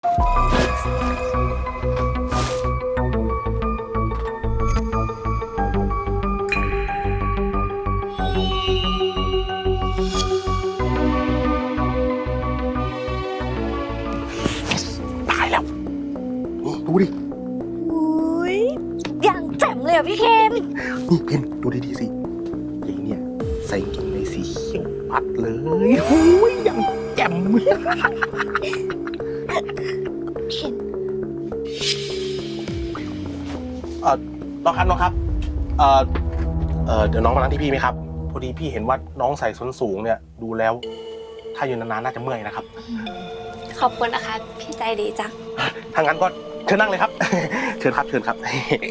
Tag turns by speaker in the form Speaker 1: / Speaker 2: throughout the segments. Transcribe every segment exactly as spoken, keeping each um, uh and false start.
Speaker 1: ตายแล้วดูดิ
Speaker 2: อุ้ยอย่างแจ่มเลยอ่ะพี่เคน
Speaker 1: นี่พิมพ์ดูดีๆสิยายเนี่ยใส่กางเกงในสีเขียวปัดเลยโอ้ยอย่างแจ่ม
Speaker 2: เคน
Speaker 1: เออน้องครับน้องครับเออเออเดี๋ยวน้องมานั่งที่พี่ไหมครับพอดีพี่เห็นว่าน้องใส่ส้นสูงเนี่ยดูแล้วถ้ายืนนานๆน่าจะเมื่อยนะครับ
Speaker 2: ขอบคุณนะคะพี่ใจดีจัง
Speaker 1: ถ้างั้นก็เชิญนั่งเลยครับ เชิญครับเชิญครับ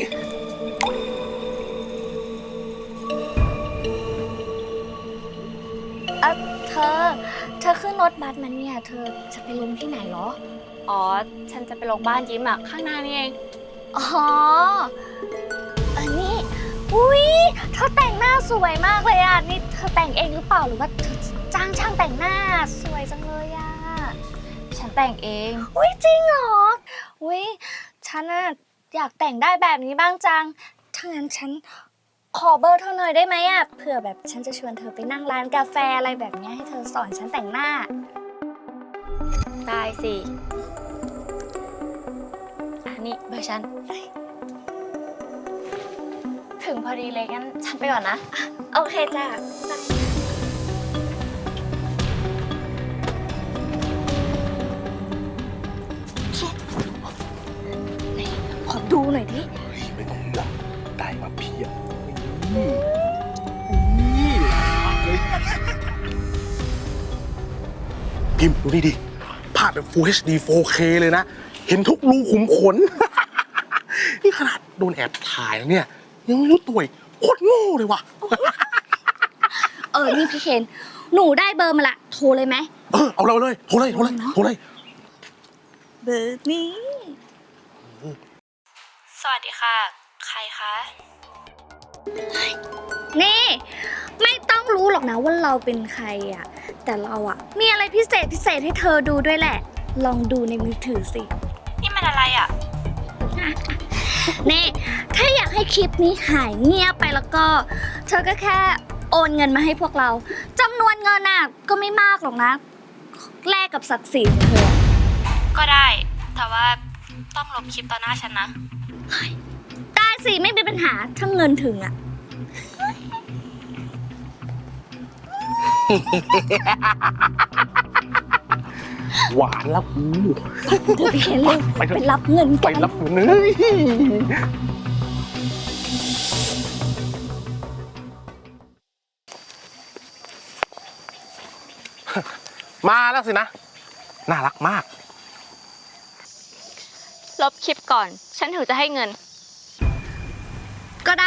Speaker 2: เออเธอ เธอขึ้นรถบัสมาเนี่ย เธอจะไปลงที่ไหนเหรอ
Speaker 3: อ๋อ ฉันจะไปลงบ้านยิ้มอ่ะ ข้างหน้านี่เอง
Speaker 2: อ๋ออันนี้อุ้ยเธอแต่งหน้าสวยมากเลยอ่ะ นี่เธอแต่งเองหรือเปล่าหรือว่าเธอจ้างช่างแต่งหน้าสวยจังเลยอ่ะ
Speaker 3: ฉันแต่งเอง
Speaker 2: อุ้ยจริงเหรออุ้ยฉันน่ะอยากแต่งได้แบบนี้บ้างจัง ถ้างั้นฉันขอเบอร์เธอหน่อยได้ไหมอ่ะ เผื่อแบบฉันจะชวนเธอไปนั่งร้านกาแฟอะไรแบบนี้ให้เธอสอนฉันแต่งหน้า
Speaker 3: ได้สิ อันนี้เบอร์ฉัน ถึงพอดีเลยงั้นฉันไปก่อนนะ
Speaker 2: โอเคจ้ะขอดูหน่อยดิ
Speaker 1: ไม่ต้องห่วงได้มาเพียบนี่นี่พิมพ์ดูนี่ดิภาพแบบ Full เอช ดี โฟร์เค เลยนะ เห็นทุกรูขุมขน นี่ขนาดโดนแอบถ่ายแล้วเนี่ย ยังไม่รู้ตัวอีกโคตรโง่เลยว่ะ
Speaker 2: เออ นี่พี่เคนหนูได้เบอร์มาละ โทรเลยไหม
Speaker 1: เออ เอาเราเลย โทรเลย โทรเลย โทรเลย
Speaker 2: เบอร์นี้
Speaker 3: สวัสดีค่ะ ใครคะ
Speaker 2: นี่ ไม่ต้องรู้หรอกนะว่าเราเป็นใครอ่ะ แต่เราอ่ะ มีอะไรพิเศษพิเศษให้เธอดูด้วยแหละ ลองดูในมือถือสิ
Speaker 3: นี่มันอะไรอ่ะ
Speaker 2: นี่ ถ้าอยากให้คลิปนี้หายเงียบไปแล้วก็ เธอก็แค่โอนเงินมาให้พวกเราจำนวนเงินน่ะก็ไม่มากหรอกนะ แลกกับศักดิ์ศรีของเธอ
Speaker 3: ก็ได้ แต่ว่าต้องลบคลิปต่อหน้าฉันนะ
Speaker 2: ได้สิไม่มีปัญหาถ้าเงินถึงอ่ะ
Speaker 1: หวานแล้วกู
Speaker 2: เดี๋ยวพี่เคนเร็ว
Speaker 1: ไปเถอะ
Speaker 2: ไปรับเงิน
Speaker 1: ไป
Speaker 2: กัน
Speaker 1: รับเงินเลยมาแล้วสินะ น่ารักมาก
Speaker 3: ลบคลิปก่อน ฉันถึงจะให้เงิน
Speaker 2: ก็ได้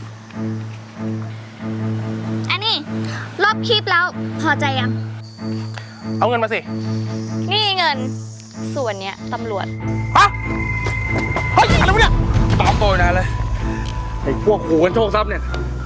Speaker 2: อันนี้ลบคลิปแล้วพอใจยัง
Speaker 1: เอาเงินมาสิ
Speaker 3: นี่เงิน ส่วนเนี้ยตำรวจ
Speaker 1: ฮะ เฮ้ย อะไรวะเนี่ย
Speaker 4: ตอบโต้นานเลยไอ้พวกขู่กันโชคทรัพย์เนี่ย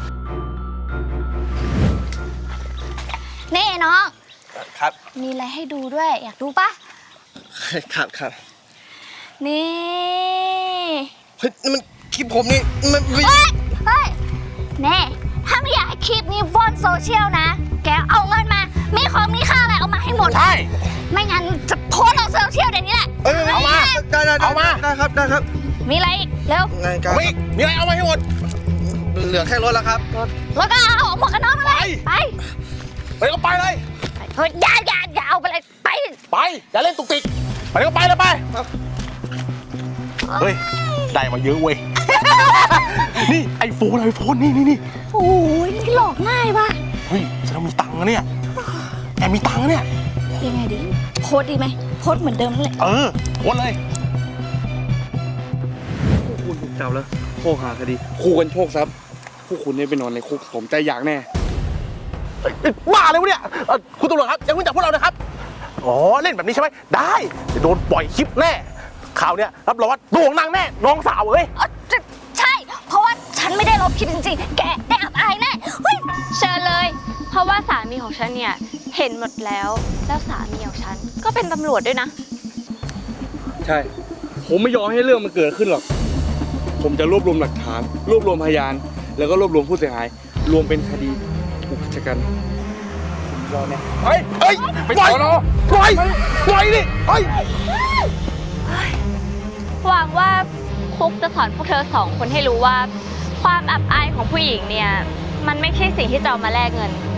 Speaker 2: นี่น้อง
Speaker 4: ครับ
Speaker 2: มีอะไรให้ดูด้วย อยากดูปะ
Speaker 4: ครับครับ
Speaker 2: นี่
Speaker 4: เฮ้ยนี่มันคลิปผมนี่มันไม่
Speaker 2: เฮ้ย เฮ้ย แน่ ถ้าไม่อยากให้คลิปนี้ว่อนโซเชียลนะ แกเอาเงินมา มีของมีค่าอะไรเอามาให้หมด
Speaker 1: ใช่
Speaker 2: ไม่งั้นจะโพสต์ลงโซเชียลเดี๋ยวนี้แหละ
Speaker 4: เอ้ย
Speaker 1: เอามา
Speaker 4: ได้ได้
Speaker 1: เอามา
Speaker 4: ได้ครับได้ครับ
Speaker 2: มีอะไรอีก เร็ว
Speaker 4: ไงกัน
Speaker 1: เอาไปอีกมีอะไรเอามาให้หมด
Speaker 4: เหลือแค่รถแล้วครับ
Speaker 2: แล้วก็เอาหมวกกันน็อกมาเลย
Speaker 1: ไป
Speaker 2: ไป
Speaker 1: ไปก็ไปเลย
Speaker 2: เฮ้ยอย่าอย่าอย่าเอาไปเลย ไป
Speaker 1: ไป อย่าเล่นตุกติก ไปก็ไปเลยไป
Speaker 4: ครับ
Speaker 1: เฮ้ย ได้มาเยอะเว้ย นี่ไอโฟนไอโฟนนี่นี่นี่
Speaker 2: โอ้ยนี่หลอกง่ายว่ะ
Speaker 1: เฮ้ยฉันมีตังค์นะเนี่ย แอบมีตังค์นะเนี่ย
Speaker 2: ยังไงดี โพสต์ดีไหม โพสต์เหมือนเดิมนั่นแหละ
Speaker 1: เออโอนเลย
Speaker 4: พวกคุณถูกจับแล้วโชคหาคดีขู่กันโชคทรัพย์พวกคุณเนี่ยไปนอนในคุกผมใจอยากแน่
Speaker 1: เอ้ยเอ้ยบ้าเลยวะเนี่ยเอ่อคุณตำรวจครับอย่าเพิ่งจับพวกเรานะครับ อ๋อ เล่นแบบนี้ใช่ไหม ได้จะโดนปล่อยคลิปแน่ ข่าวเนี้ยรับรองว่าโด่งดังแน่ น้องสาวเอ้ย
Speaker 2: เอ้อใช่ เพราะว่าฉันไม่ได้ลบคลิปจริงๆ แกได้อับอายแน่ เฮ้ย
Speaker 3: เชิญเลย เพราะว่าสามีของฉันเนี่ย เห็นหมดแล้ว แล้วสามีของฉันก็เป็นตำรวจด้วยนะ
Speaker 4: ใช่ ผมไม่ยอมให้เรื่องมันเกิดขึ้นหรอก ผมจะรวบรวมหลักฐาน รวบรวมพยาน แล้วก็รวบรวมผู้เสียหาย รวมเป็นคดีอุกชะกันผมยอมเนี่ย
Speaker 1: เฮ้ยเฮ้ย
Speaker 4: ไป
Speaker 1: ปล่อย
Speaker 4: สอนอ
Speaker 1: ปล่อยปล่อยดิเฮ้ย
Speaker 3: หวังว่าคุกจะสอนพวกเธอสองคนให้รู้ว่า ความอับอายของผู้หญิงเนี่ย มันไม่ใช่สิ่งที่จะเอามาแลกเงิน